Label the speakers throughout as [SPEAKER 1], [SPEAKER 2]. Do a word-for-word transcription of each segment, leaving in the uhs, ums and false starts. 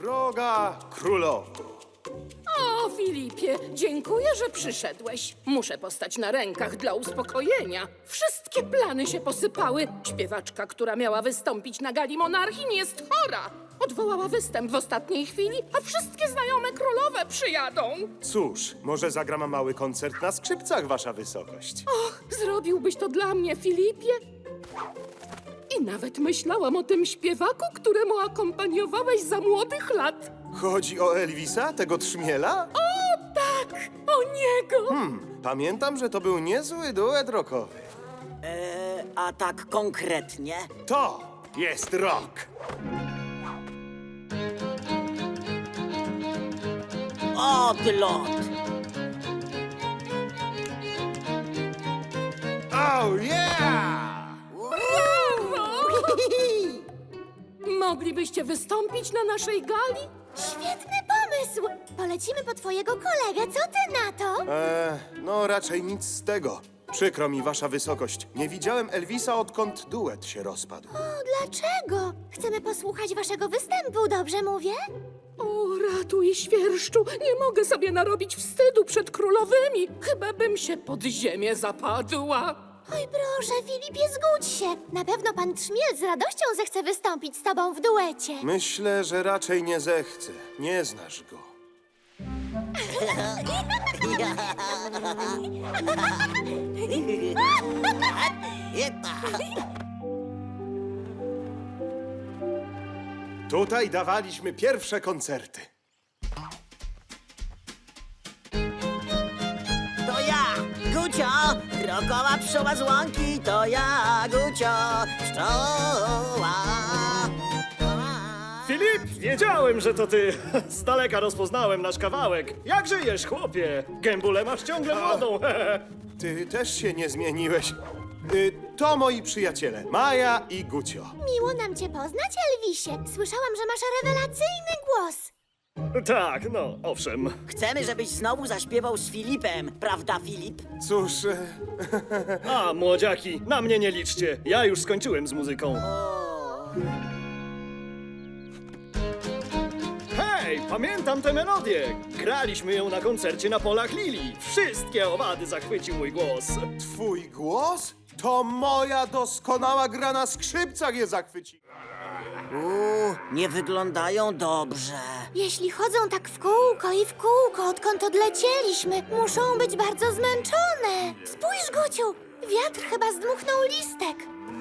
[SPEAKER 1] Droga królowo.
[SPEAKER 2] O, Filipie, dziękuję, że przyszedłeś. Muszę postać na rękach dla uspokojenia. Wszystkie plany się posypały. Śpiewaczka, która miała wystąpić na gali monarchii, nie jest chora. Odwołała występ w ostatniej chwili, a wszystkie znajome królowe przyjadą.
[SPEAKER 1] Cóż, może zagram mały koncert na skrzypcach, wasza wysokość.
[SPEAKER 2] Och, zrobiłbyś to dla mnie, Filipie? I nawet myślałam o tym śpiewaku, któremu akompaniowałeś za młodych lat.
[SPEAKER 1] Chodzi o Elvisa, tego trzmiela?
[SPEAKER 2] O, tak, o niego.
[SPEAKER 1] Hmm, pamiętam, że to był niezły duet rockowy.
[SPEAKER 3] E, a tak konkretnie?
[SPEAKER 1] To jest rock.
[SPEAKER 3] Odlot!
[SPEAKER 1] Oh yeah!
[SPEAKER 2] Moglibyście wystąpić na naszej gali?
[SPEAKER 4] Świetny pomysł! Polecimy po twojego kolegę, co ty na to?
[SPEAKER 1] Eee, no raczej nic z tego. Przykro mi, wasza wysokość. Nie widziałem Elvisa, odkąd duet się rozpadł.
[SPEAKER 4] O, dlaczego? Chcemy posłuchać waszego występu, dobrze mówię?
[SPEAKER 2] O, ratuj, świerszczu, nie mogę sobie narobić wstydu przed królowymi. Chyba bym się pod ziemię zapadła.
[SPEAKER 4] Oj, proszę, Filipie, zgódź się. Na pewno pan Trzmiel z radością zechce wystąpić z tobą w duecie.
[SPEAKER 1] Myślę, że raczej nie zechce. Nie znasz go. Tutaj dawaliśmy pierwsze koncerty.
[SPEAKER 3] To ja, Gucio, rokowa pszczoła z łąki, to ja, Gucio, pszczoła.
[SPEAKER 5] Filip, wiedziałem, że to ty. Z daleka rozpoznałem nasz kawałek. Jak żyjesz, chłopie? Gębulę masz ciągle młodą.
[SPEAKER 1] Ty też się nie zmieniłeś. Y, to moi przyjaciele, Maja i Gucio.
[SPEAKER 4] Miło nam cię poznać, Elvisie. Słyszałam, że masz rewelacyjny głos.
[SPEAKER 5] Tak, no, owszem.
[SPEAKER 3] Chcemy, żebyś znowu zaśpiewał z Filipem, prawda, Filip?
[SPEAKER 1] Cóż, e,
[SPEAKER 5] A, młodziaki, na mnie nie liczcie. Ja już skończyłem z muzyką. Hej, pamiętam tę melodię. Graliśmy ją na koncercie na polach Lili. Wszystkie owady zachwycił mój głos.
[SPEAKER 1] twój głos? To moja doskonała gra na skrzypcach je zachwyciła.
[SPEAKER 3] Uuu, nie wyglądają dobrze.
[SPEAKER 4] Jeśli chodzą tak w kółko i w kółko, odkąd odlecieliśmy, muszą być bardzo zmęczone. Spójrz, Guciu, wiatr chyba zdmuchnął listek.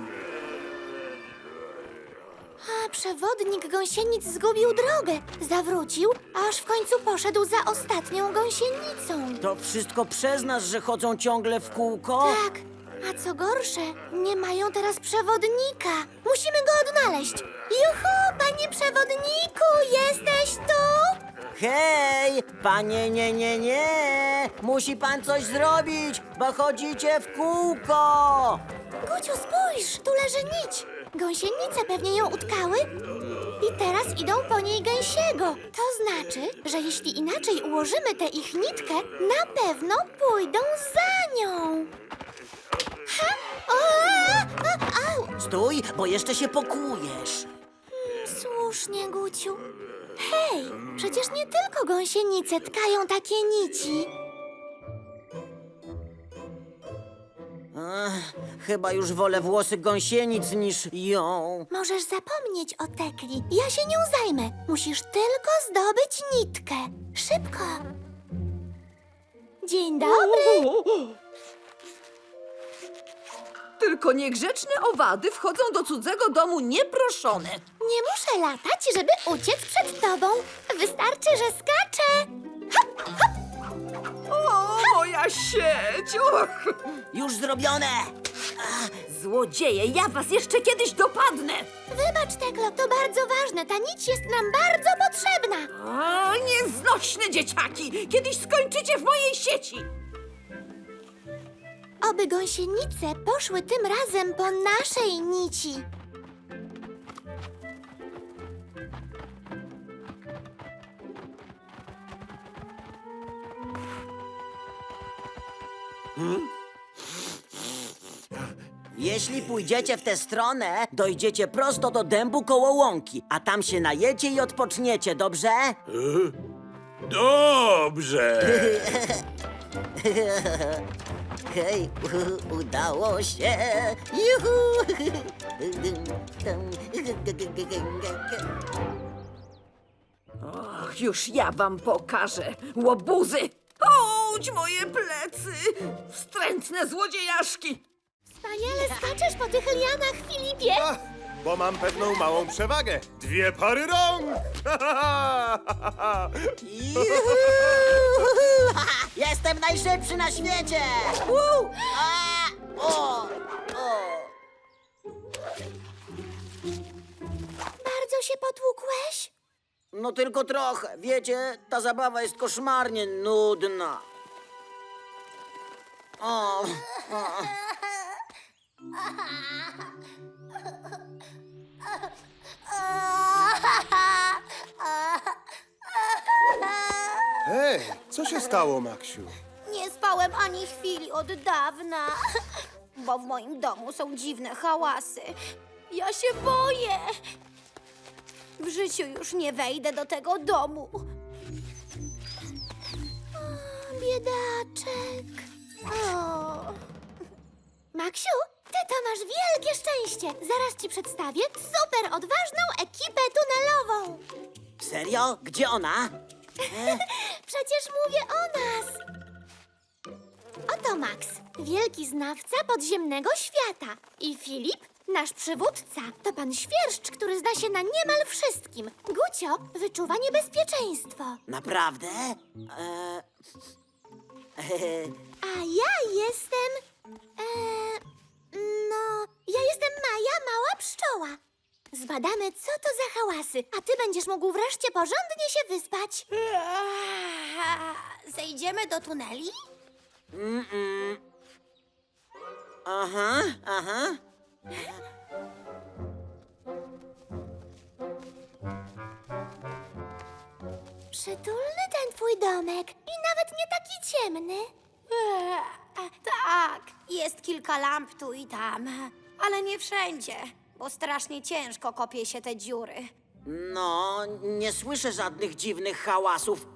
[SPEAKER 4] A przewodnik gąsienic zgubił drogę. Zawrócił, aż w końcu poszedł za ostatnią gąsienicą.
[SPEAKER 3] To wszystko przez nas, że chodzą ciągle w kółko?
[SPEAKER 4] Tak, a co gorsze, nie mają teraz przewodnika. Musimy go odnaleźć. Juhu, panie przewodniku, jesteś tu?
[SPEAKER 3] Hej, panie, nie, nie, nie! Musi pan coś zrobić, bo chodzicie w kółko!
[SPEAKER 4] Guciu, spójrz, tu leży nić. Gąsienice pewnie ją utkały i teraz idą po niej gęsiego. To znaczy, że jeśli inaczej ułożymy tę ich nitkę, na pewno pójdą za nią. Ha? O, a, a, au.
[SPEAKER 3] Stój, bo jeszcze się pokujesz.
[SPEAKER 4] Słusznie, Guciu. Hej, przecież nie tylko gąsienice tkają takie nici.
[SPEAKER 3] Ech, chyba już wolę włosy gąsienic niż ją.
[SPEAKER 4] Możesz zapomnieć o tekli. Ja się nią zajmę. Musisz tylko zdobyć nitkę. Szybko. Dzień dobry.
[SPEAKER 6] Tylko niegrzeczne owady wchodzą do cudzego domu nieproszone.
[SPEAKER 4] Nie muszę latać, żeby uciec przed tobą. Wystarczy, że skaczę.
[SPEAKER 6] O, moja sieć! Och,
[SPEAKER 3] Już zrobione!
[SPEAKER 6] złodzieje, ja was jeszcze kiedyś dopadnę!
[SPEAKER 4] Wybacz, Teklo, to bardzo ważne. Ta nić jest nam bardzo potrzebna.
[SPEAKER 6] O, nieznośne dzieciaki! Kiedyś skończycie w mojej sieci!
[SPEAKER 4] Oby gąsienice poszły tym razem po naszej nici.
[SPEAKER 3] Jeśli pójdziecie w tę stronę, dojdziecie prosto do dębu koło łąki, a tam się najecie i odpoczniecie, dobrze?
[SPEAKER 7] Dobrze!
[SPEAKER 3] Hej, udało się! Juhu!
[SPEAKER 6] Och, już ja wam pokażę, łobuzy! Ouć, moje plecy! Wstrętne złodziejaszki!
[SPEAKER 4] Wspaniale skaczesz po tych lianach, Filipie!
[SPEAKER 1] Ach, bo mam pewną małą przewagę. Dwie pary rąk!
[SPEAKER 3] Juhu! Jestem najszybszy na świecie! Woo! A! O! O!
[SPEAKER 4] Bardzo się potłukłeś?
[SPEAKER 3] No tylko trochę. Wiecie, ta zabawa jest koszmarnie nudna. O, o.
[SPEAKER 1] Hej, co się stało, Maksiu?
[SPEAKER 4] Nie spałem ani chwili od dawna, bo w moim domu są dziwne hałasy. Ja się boję. W życiu już nie wejdę do tego domu. O, biedaczek. O. Maksiu, ty to masz wielkie szczęście. Zaraz ci przedstawię super odważną ekipę tunelową.
[SPEAKER 3] Serio? Gdzie ona?
[SPEAKER 4] Przecież mówię o nas. Oto Max, wielki znawca podziemnego świata. I Filip, nasz przywódca. To pan Świerszcz, który zna się na niemal wszystkim. Gucio wyczuwa niebezpieczeństwo.
[SPEAKER 3] Naprawdę? E...
[SPEAKER 4] A ja jestem... E, no, ja jestem Maja, mała pszczoła. Zbadamy, co to za hałasy, a ty będziesz mógł wreszcie porządnie się wyspać. Zejdziemy do tuneli?
[SPEAKER 3] Aha, aha.
[SPEAKER 4] Przytulny ten twój domek i nawet nie taki ciemny. Tak, jest kilka lamp tu i tam, ale nie wszędzie, bo strasznie ciężko kopie się te dziury.
[SPEAKER 3] No, nie słyszę żadnych dziwnych hałasów.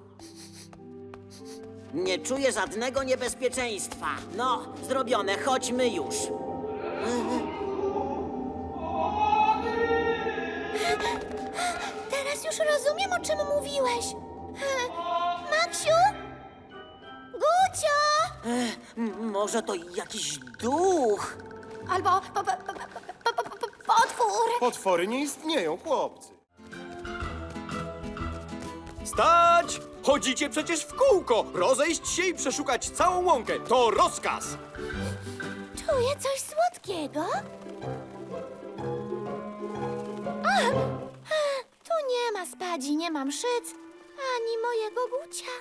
[SPEAKER 3] Nie czuję żadnego niebezpieczeństwa. No, zrobione, chodźmy już.
[SPEAKER 4] Teraz już rozumiem, o czym mówiłeś. Maksiu? Gucio?
[SPEAKER 3] M- może to jakiś duch?
[SPEAKER 4] Albo po, po, po, po, po, po, potwór.
[SPEAKER 1] Potwory nie istnieją, chłopcy.
[SPEAKER 7] Stać! Chodzicie przecież w kółko! Rozejść się i przeszukać całą łąkę. To rozkaz!
[SPEAKER 4] Czuję coś słodkiego. A, a, tu nie ma spadzi, nie ma mszyc, ani mojego Gucia.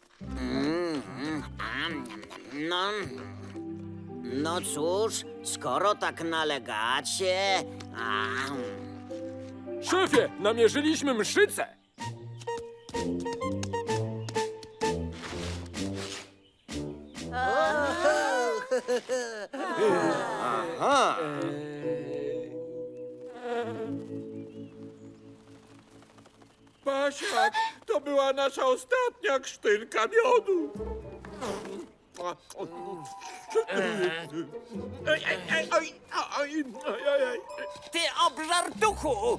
[SPEAKER 3] No, no cóż, skoro tak nalegacie... A,
[SPEAKER 7] Szefie, namierzyliśmy mszycę! Aha!
[SPEAKER 8] Pasiak, to była nasza ostatnia krztynka miodu. Ej, ej, ej, oj, oj, oj, oj, oj.
[SPEAKER 3] Ty obżartuchu!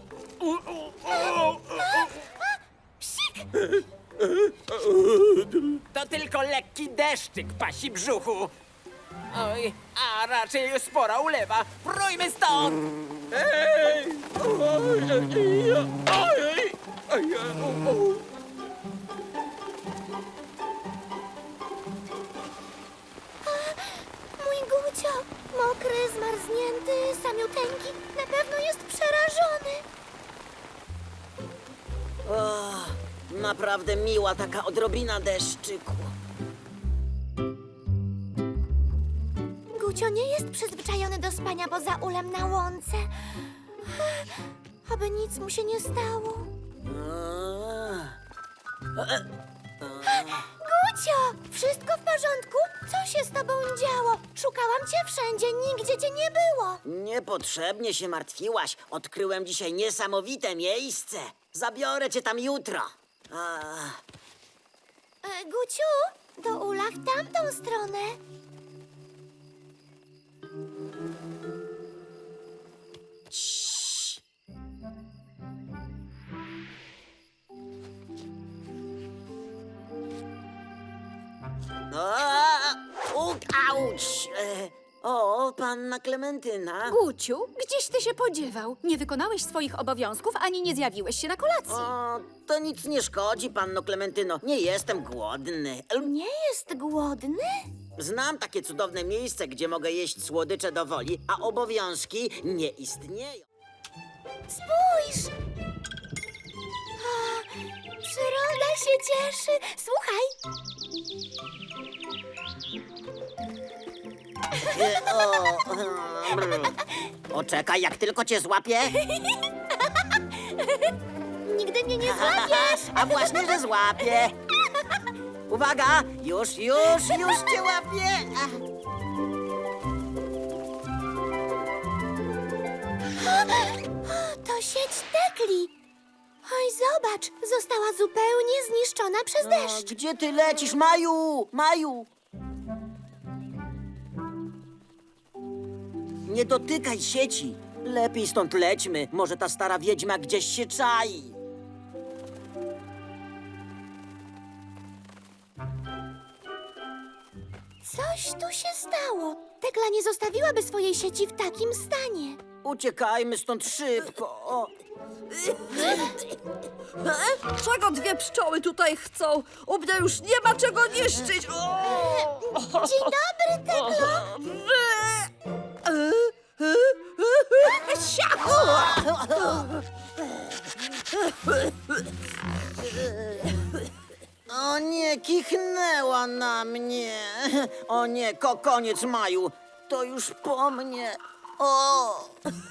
[SPEAKER 9] To tylko lekki deszczyk pasi brzuchu. Oj, a raczej spora ulewa. Prójmy stąd!
[SPEAKER 8] Ej, oj, ej, oj, oj, oj, oj.
[SPEAKER 4] Mój Gucio, mokry, zmarznięty, samiuteńki, na pewno jest przerażony.
[SPEAKER 3] O, naprawdę miła taka odrobina deszczyku.
[SPEAKER 4] Gucio nie jest przyzwyczajony do spania poza ulem na łące. Aby nic mu się nie stało.
[SPEAKER 3] A,
[SPEAKER 4] Gucio! Gucio, wszystko w porządku? Co się z tobą działo? Szukałam cię wszędzie, nigdzie cię nie było.
[SPEAKER 3] Niepotrzebnie się martwiłaś. Odkryłem dzisiaj niesamowite miejsce. Zabiorę cię tam jutro. A,
[SPEAKER 4] E, Guciu, do Ula w tamtą stronę.
[SPEAKER 3] cii. A, uk, auć. E, O, panna Klementyna.
[SPEAKER 10] Guciu, gdzieś ty się podziewał? Nie wykonałeś swoich obowiązków, ani nie zjawiłeś się na kolacji.
[SPEAKER 3] O, to nic nie szkodzi, panno Klementyno. Nie jestem głodny. Em,
[SPEAKER 4] Nie jest głodny?
[SPEAKER 3] Znam takie cudowne miejsce, gdzie mogę jeść słodycze do woli, a obowiązki nie istnieją.
[SPEAKER 4] Spójrz! A, przyroda się cieszy. Słuchaj,
[SPEAKER 3] E, o, brr. Poczekaj, jak tylko cię złapię.
[SPEAKER 4] nigdy mnie nie złapiesz.
[SPEAKER 3] A właśnie, że złapię. Uwaga, już, już, już cię łapię. Ach.
[SPEAKER 4] To sieć tekli. Oj, zobacz, została zupełnie zniszczona przez
[SPEAKER 3] O,
[SPEAKER 4] deszcz.
[SPEAKER 3] gdzie ty lecisz, Maju? Maju! Nie dotykaj sieci. Lepiej stąd lećmy. Może ta stara wiedźma gdzieś się czai.
[SPEAKER 4] Coś tu się stało. Tekla nie zostawiłaby swojej sieci w takim stanie.
[SPEAKER 3] Uciekajmy stąd szybko. O.
[SPEAKER 6] E? Czego dwie pszczoły tutaj chcą? U mnie już nie ma czego niszczyć. O!
[SPEAKER 4] Dzień dobry, Teklo.
[SPEAKER 6] E, e, e, Siachu!
[SPEAKER 3] O nie, kichnęła na mnie. O nie, ko koniec, Maju. To już po mnie. O!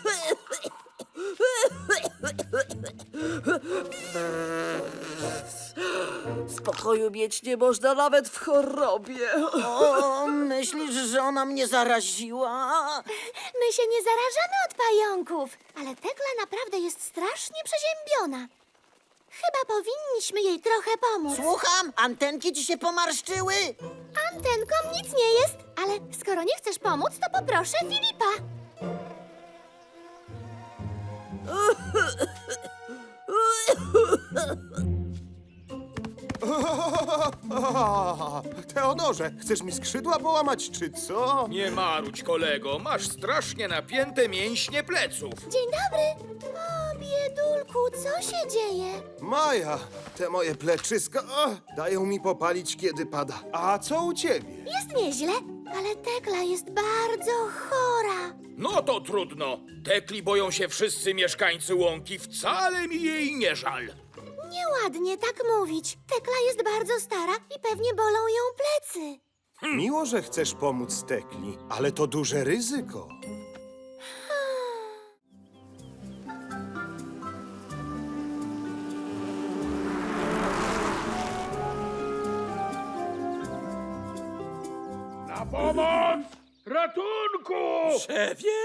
[SPEAKER 6] Spokoju mieć nie można nawet w chorobie.
[SPEAKER 3] O, myślisz, że ona mnie zaraziła?
[SPEAKER 4] My się nie zarażamy od pająków, ale Tekla naprawdę jest strasznie przeziębiona. Chyba powinniśmy jej trochę pomóc.
[SPEAKER 3] Słucham, antenki ci się pomarszczyły?
[SPEAKER 4] Antenkom nic nie jest, ale skoro nie chcesz pomóc, to poproszę Filipa.
[SPEAKER 1] Teodorze, chcesz mi skrzydła połamać, czy co?
[SPEAKER 8] Nie marudź, kolego, masz strasznie napięte mięśnie pleców.
[SPEAKER 4] Dzień dobry. O, biedulku, co się dzieje?
[SPEAKER 1] Maja, te moje pleczyska o, dają mi popalić, kiedy pada. A co u ciebie?
[SPEAKER 4] Jest nieźle, ale Tekla jest bardzo chora.
[SPEAKER 8] No to trudno. Tekli boją się wszyscy mieszkańcy łąki, wcale mi jej nie żal.
[SPEAKER 4] Nieładnie tak mówić. Tekla jest bardzo stara i pewnie bolą ją plecy.
[SPEAKER 1] Miło, że chcesz pomóc Tekli, ale to duże ryzyko.
[SPEAKER 8] Na pomoc! Ratunku!
[SPEAKER 7] Szefie?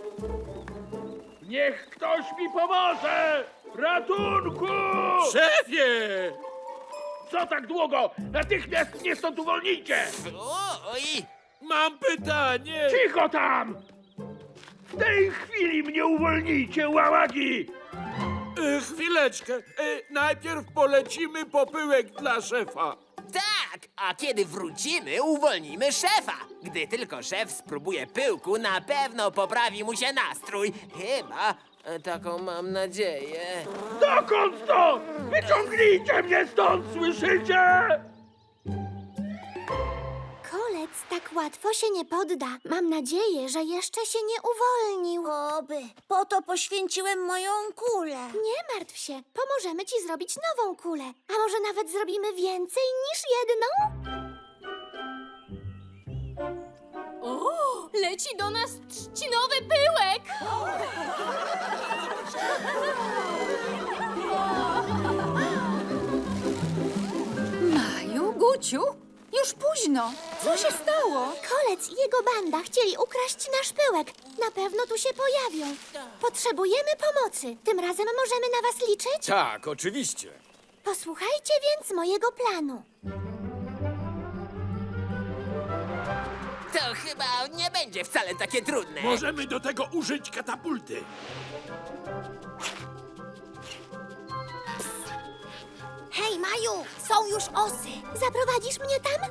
[SPEAKER 8] Niech ktoś mi pomoże! Ratunku!
[SPEAKER 7] Szefie!
[SPEAKER 8] Co tak długo? Natychmiast mnie stąd uwolnijcie!
[SPEAKER 9] Oj!
[SPEAKER 7] Mam pytanie.
[SPEAKER 8] Cicho tam! W tej chwili mnie uwolnijcie, łałagi!
[SPEAKER 7] E, chwileczkę. E, najpierw polecimy popyłek dla szefa.
[SPEAKER 9] Tak, a kiedy wrócimy, uwolnimy szefa. Gdy tylko szef spróbuje pyłku, na pewno poprawi mu się nastrój. Chyba, e, taką mam nadzieję.
[SPEAKER 8] Dokąd to? Wyciągnijcie mnie stąd, słyszycie?
[SPEAKER 4] Kolec tak łatwo się nie podda. Mam nadzieję, że jeszcze się nie uwolnił. Oby. Po to poświęciłem moją kulę. Nie martw się. Pomożemy ci zrobić nową kulę. A może nawet zrobimy więcej niż jedną?
[SPEAKER 10] O, leci do nas trzcinowy pyłek! Maju, Guciu, Już późno. Co się stało?
[SPEAKER 4] Kolec i jego banda chcieli ukraść nasz pyłek. Na pewno tu się pojawią. Potrzebujemy pomocy. Tym razem możemy na was liczyć?
[SPEAKER 8] Tak, oczywiście.
[SPEAKER 4] Posłuchajcie więc mojego planu.
[SPEAKER 9] To chyba nie będzie wcale takie trudne.
[SPEAKER 8] Możemy do tego użyć katapulty.
[SPEAKER 4] Hej, Maju, są już osy. Zaprowadzisz mnie tam?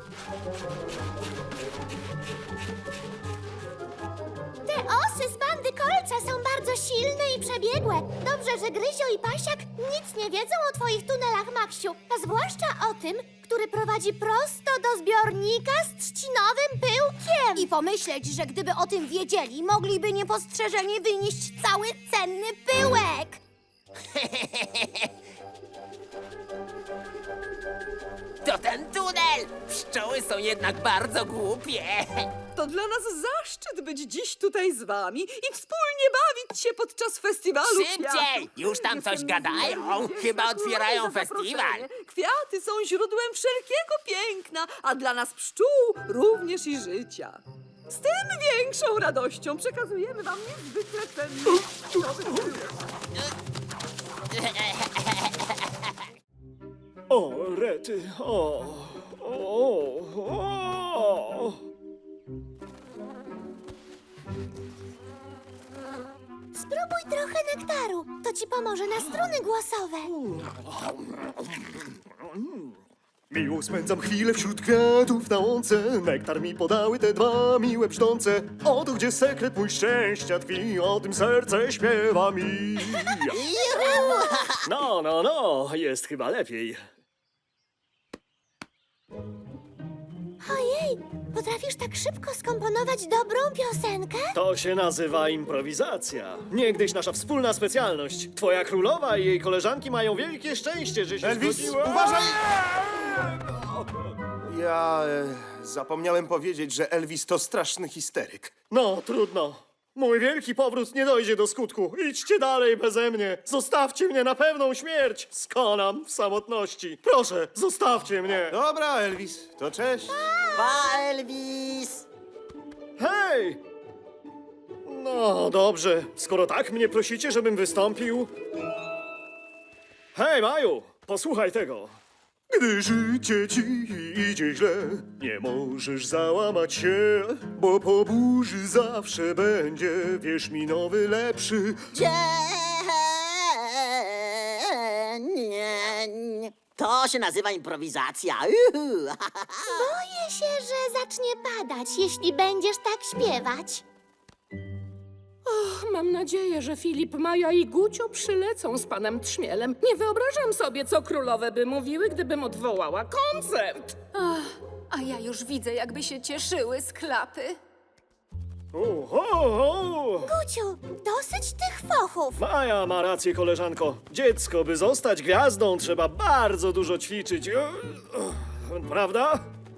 [SPEAKER 4] Te osy z bandy Kolca są bardzo silne i przebiegłe. Dobrze, że Gryzio i Pasiak nic nie wiedzą o twoich tunelach, Maksiu. A zwłaszcza o tym, który prowadzi prosto do zbiornika z trzcinowym pyłkiem. I pomyśleć, że gdyby o tym wiedzieli, mogliby niepostrzeżenie wynieść cały cenny pyłek.
[SPEAKER 9] To ten tunel! Pszczoły są jednak bardzo głupie.
[SPEAKER 6] To dla nas zaszczyt być dziś tutaj z wami i wspólnie bawić się podczas festiwalu
[SPEAKER 9] Szybciej!
[SPEAKER 6] kwiatów.
[SPEAKER 9] Już tam coś
[SPEAKER 6] Jestem
[SPEAKER 9] gadają.
[SPEAKER 6] niezmiernie
[SPEAKER 9] Chyba
[SPEAKER 6] wdzięczna
[SPEAKER 9] otwierają
[SPEAKER 6] za
[SPEAKER 9] festiwal.
[SPEAKER 6] zaproszenie. Kwiaty są źródłem wszelkiego piękna, a dla nas pszczół również i życia. Z tym większą radością przekazujemy wam niezwykle cenny nowy pyłek.
[SPEAKER 5] O, rety, o, o, o.
[SPEAKER 4] Spróbuj trochę nektaru. To ci pomoże na struny głosowe.
[SPEAKER 1] Miło spędzam chwilę wśród kwiatów na łące. Nektar mi podały te dwa miłe brzdące. Oto gdzie sekret mój szczęścia tkwi, o tym serce śpiewa mi.
[SPEAKER 5] No, no, no, jest chyba lepiej.
[SPEAKER 4] Ojej, potrafisz tak szybko skomponować dobrą piosenkę?
[SPEAKER 5] To się nazywa improwizacja. Niegdyś nasza wspólna specjalność. Twoja królowa i jej koleżanki mają wielkie szczęście, że się
[SPEAKER 1] Elvis,
[SPEAKER 5] zgodziła.
[SPEAKER 1] uważaj! Ja e, zapomniałem powiedzieć, że Elvis to straszny histeryk.
[SPEAKER 5] No, trudno. Mój wielki powrót nie dojdzie do skutku. Idźcie dalej beze mnie. Zostawcie mnie na pewną śmierć. Skonam w samotności. Proszę, zostawcie mnie.
[SPEAKER 1] Dobra, Elvis, to cześć.
[SPEAKER 3] Pa, Elvis!
[SPEAKER 5] Hej! No, dobrze. Skoro tak mnie prosicie, żebym wystąpił... Hej, Maju, posłuchaj tego. Gdy życie ci idzie źle, nie możesz załamać się, bo po burzy zawsze będzie, wierz mi, nowy, lepszy.
[SPEAKER 3] Dzień! To się nazywa improwizacja. Uhu.
[SPEAKER 4] Boję się, że zacznie padać, jeśli będziesz tak śpiewać.
[SPEAKER 2] Och, mam nadzieję, że Filip, Maja i Gucio przylecą z panem Trzmielem. Nie wyobrażam sobie, co królowe by mówiły, gdybym odwołała koncert.
[SPEAKER 10] Ach, a ja już widzę, jakby się cieszyły z klapy.
[SPEAKER 5] Oho!
[SPEAKER 4] Guciu, dosyć tych fochów.
[SPEAKER 5] Maja ma rację, koleżanko. Dziecko, by zostać gwiazdą, trzeba bardzo dużo ćwiczyć. E, e, Prawda?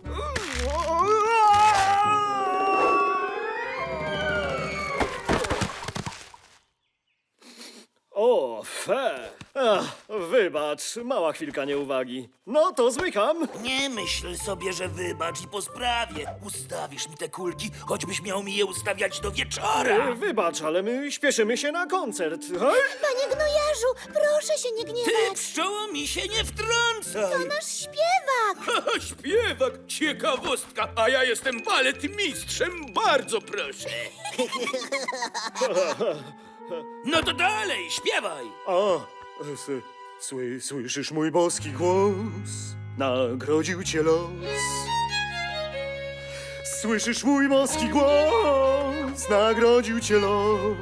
[SPEAKER 5] O, fe. Ach, wybacz, mała chwilka nieuwagi. No to zmykam.
[SPEAKER 11] Nie myśl sobie, że wybacz i po sprawie. Ustawisz mi te kulki, choćbyś miał mi je ustawiać do wieczora.
[SPEAKER 5] E, Wybacz, ale my śpieszymy się na koncert. Hej?
[SPEAKER 4] Panie gnojarzu, proszę się nie
[SPEAKER 11] Ty,
[SPEAKER 4] gniewać.
[SPEAKER 11] pszczoło, mi się nie wtrącaj.
[SPEAKER 4] Nasz śpiewak.
[SPEAKER 8] Haha, śpiewak, ciekawostka, a ja jestem baletmistrzem, bardzo proszę.
[SPEAKER 11] No to dalej, śpiewaj.
[SPEAKER 5] A, s- sły, słyszysz mój boski głos? Nagrodził cię los. Słyszysz mój boski głos? Nagrodził cię los.